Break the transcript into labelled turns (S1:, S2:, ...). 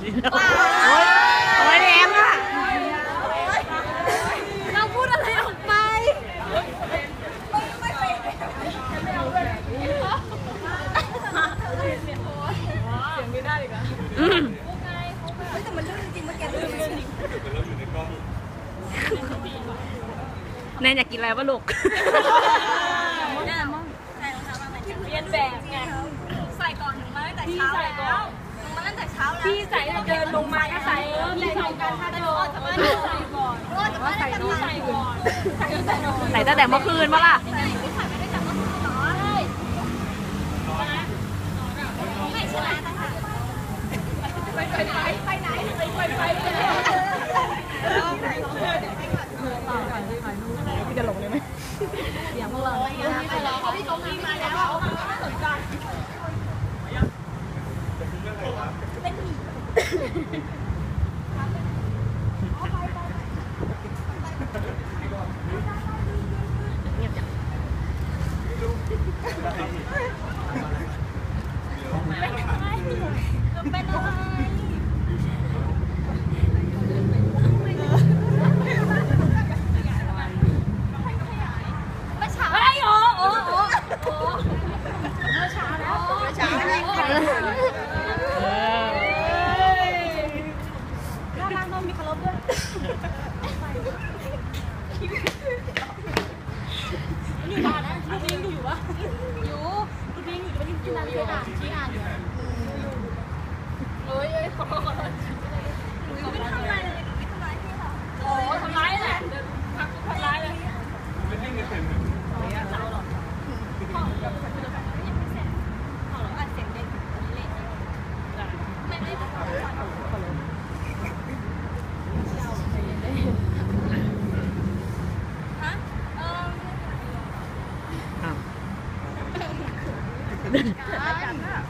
S1: โอ้ยแรงอ่ะ
S2: เราพูดอะไรออกไปแต่มันลื่นจริงมันแกลื่นจริง
S1: แนนอยากกินอะไรวะลูก
S2: เรียนแบบไงใส่ก่อนถึงมาตั้งแต่เช้าแล้วมาตั้งแต่เช้าแล้วพี่ใส่เดินลงมาก็ใส่พี่ใส่กันถ้าเดินจะมาใส่ก่อนใส่ก่อนใส่
S1: ตั้งแต่เมื่อคืนวะล่ะ
S2: พี่ใส่ไม่ได้จากเมื่อคืนหรอไม่ชนะนะคะไปไหน
S1: พี่จะหลงเลยไหมอย่างพวกเรา
S2: พี่เขามีมาแล้วสนใจเป็นอะไรไม่ช้าไอ้โอ้ไม่ช้าแล้วไม่ช้าแล้วร่างต้องมีเคารพด้วยอยู่บ้านนะลูกพิงอยู่วะอยู่ลูกพิงอยู่วันนี้ที่นั่นเลยชี้อ่านอยู่เอ้ยขอโทษไม่ทำอะไรเลยไม่ทำร้ายพี่หรอโอ้ทำร้ายแหละทำร้ายเลยไม่ได้เงินเต็มเลยเจ้าหรอกพ่อยังไม่เสร็จพ่อหรออัดเสียงเด็กเล่นไม่ได้ฮะ
S1: อ้าว